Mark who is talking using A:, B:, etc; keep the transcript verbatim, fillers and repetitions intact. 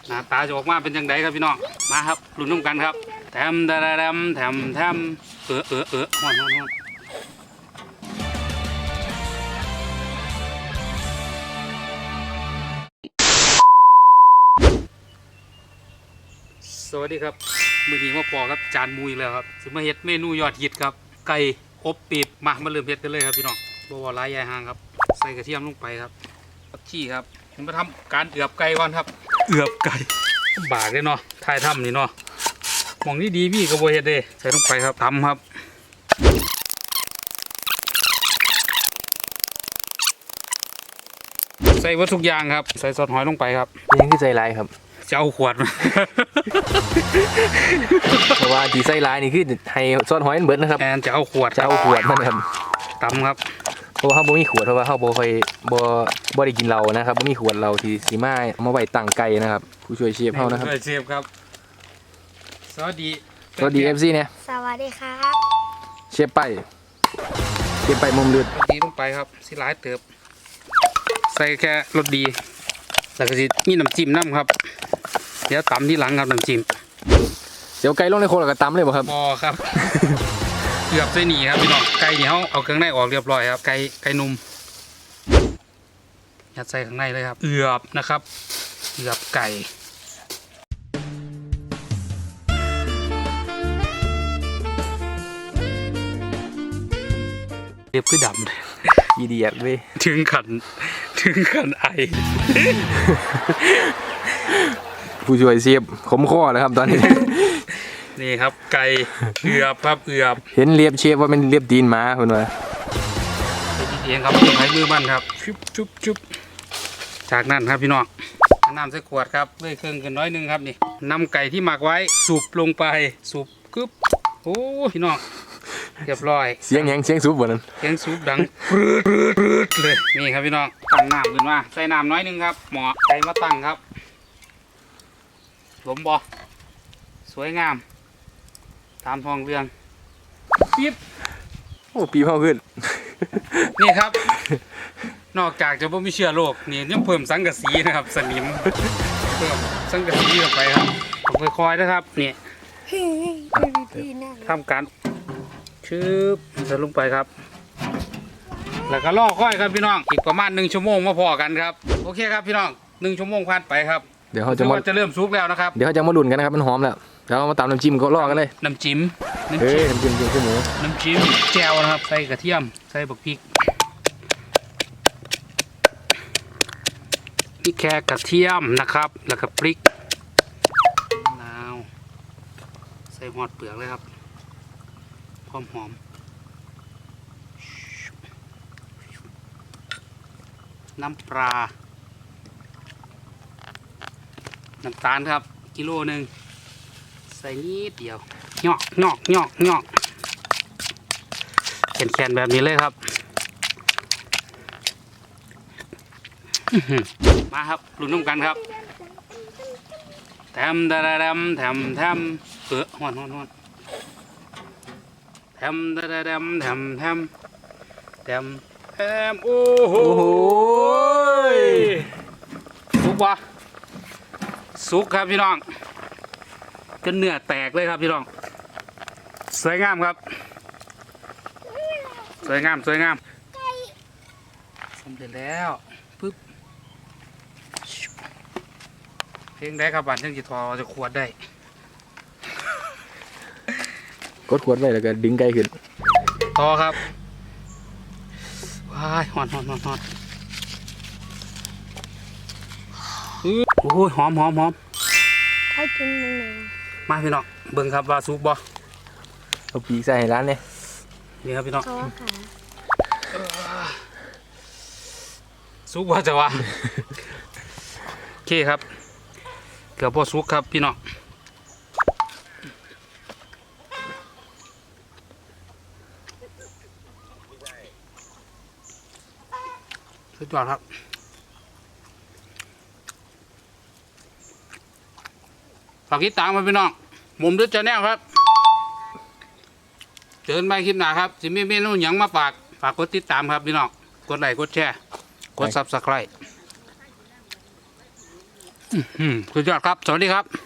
A: หน้าตาจะออกมาเป็นยังไงครับพี่น้องมาครับลุ้นน้ำกันครับแถมแถมแถมแถมเออเออเออฮ้อนฮ้อนฮ้อนสวัสดีครับมือนี้มาปอครับจานมุยแล้วครับสิมาเฮ็ดเมนูยอดฮิตครับไก่อบปีบมามาเริ่มเฮ็ดกันเลยครับพี่น้องบ่ว่าหลายยายห่างครับใส่กระเทียมลงไปครับผักชีครับผมมาทำการเอือบไก่ก่อนครับเอือบไก่บากเลยเนาะทายทำนี่เนาะมองนี่ดีพี่กระโบเฮ็ดเด้ใส่ลงไปครับทำครับใส่วัตถุกอย่างครับใส่ซอสหอยลงไปครับ
B: ยังคือใจร้ายครับ
A: จะเอาขวดมา
B: เพราะว่าที่ใจร้ายนี่คือให้ซอสหอยมันเบิดนะครับ
A: แอนจะเอาขวด
B: จะเอาขวดมันครับ
A: ตำครับ
B: เพราะว่าเขาบ่มีขวดเพราะว่าเขาบ่ค่อยบ่บ่ได้กินเหล้านะครับบ่มีขวดเหล้าที่สีมาเอามาไว้ตั้งไก่นะครับผู้ช่วยเชฟเฮานะครับ
A: ผู้ช่วยเชฟครับสวัสดี
B: สวัสดี เอฟ ซี เนี่ย
C: สวัสดีครับ
B: เชฟไปเชฟไปมุมเลือด
A: ดีลงไปครับสิหลายเติบใส่แค่รสดีแล้วก็สิมีน้ำจิ้มน้ำครับเดี๋ยวตำที่หลังครับน้ำจิ้ม
B: เดี๋ยวไก่ลงในโคแล้วก็ตำเลยบ่ครับ
A: พอครับเกือบใส่หนีครับพี่น้องไก่นี่เขาเอาเครื่องในออกเรียบร้อยครับไก่ไก่นุ่มยัดใส่ข้างในเลยครับเอือบนะครับเอือบไก่เรียบคือดำเลย
B: อีเดียดเว้ย
A: ถึงขันถึงขันไอ
B: ผู้ช่วยเชฟขมคอแล้วครับตอนนี้
A: นี่ครับไก่เอือบครับเอือบ
B: เห็นเรียบเชฟว่าเป็นเรียบตีนหมาคุณวะ
A: เองครับใช้มือมันครับชุบชุบชุบจากนั้นครับพี่น้องน้ำใส่ขวดครับเลยเครื่องกันน้อยนึงครับนี่นำไก่ที่หมักไว้สูบลงไปสูบกึ๊บโอ้พี่น้องเรียบร้อย
B: เสียงแหงเสียงซุบบ่นั้น
A: เสียงซุบดังปรืดปรืดปรืดเลยนี่ครับพี่น้องตั้งน้ำขึ้นมาใส่น้ำน้อยนึงครับหมอไก่มาตั้งครับหลมบ่สวยงามตามทองเรื่องปิ๊บ
B: โอ้ปีเผาขึ้น
A: นี่ครับนอกจากจะไม่มีเชื้อโรคนี่ยังเพิ่มสังกะสีนะครับสนิมเพิ่มสังกะสีลงไปครับค่อยๆนะครับนี่ทำการชืบใส่ลงไปครับแล้วก็ล่อค่อยครับพี่น้องอีกประมาณหนึ่งชั่วโมงมาพอกันครับโอเคครับพี่น้องหนึ่งชั่วโมงผ่านไปครับ
B: เดี๋ยวเขาจะมา
A: จะเริ่มซุกแล้วนะครับ
B: เดี๋ยวเขาจะมาลุ้นกันนะครับมันหอมแล้วเดี๋ยวเรามาตามน้ำจิ้มก็ล่อกันเลย
A: น้ำจิ้ม
B: เฮ้ยน้ำจิ้มจิ้มขึ้นหมู
A: น้ำจิ้มแจ่วนะครับใส่กระเทียมใส่บักพริกนี่แค่กระเทียมนะครับแล้วก็พริกนาวใส่หอดเปลือกเลยครับหอมหอมน้ำปลาน้ำตาลครับกิโลหนึ่งใส่นิดเดียวเหยาะเหยาะเหยาะเหยาะแข็งๆแบบนี้เลยครับมาครับลุ้นน้ำกันครับแถมแถมแถมแถมเออหอนหอนหอนแถมแถมแถมแถมแถมแถมโอ้โหสุกวะสุกครับพี่น้องจนเนื้อแตกเลยครับพี่น้องสวยงามครับสวยงามสวยงามสำเร็จแล้วปึ๊บเพลงได้ครับบันเชิงจิตทอจะขวดได้
B: กดขวดไว้แล้วก็ดึงไก่ขึ้น
A: ต่อครับว้ายหอนหอนหอนหอนโอ้ยหอมหอมหอม
C: ถ้ากินมันเลย
A: มาพี่น้องเบิ่งครับว่าซุปบ่
B: เอาปีกใส่ให้ร้านเลย
A: นี่ครับพี่น้อง
C: เขาค่ะ
A: ซุปว่าจะว่าโอเคครับเกือบพอซุปครับพี่น้องสุดยอดครับฝากติดตามมาพี่น้องมุมด้วยจะแน่ครับเจอกันใหม่คลิปหน้าครับสิมีเมนูหยังมาฝากฝากกดติดตามครับพี่น้องกดไลค์กดแชร์กดซับสไครต์อืมสุดยอดครับ สวัสดีครับ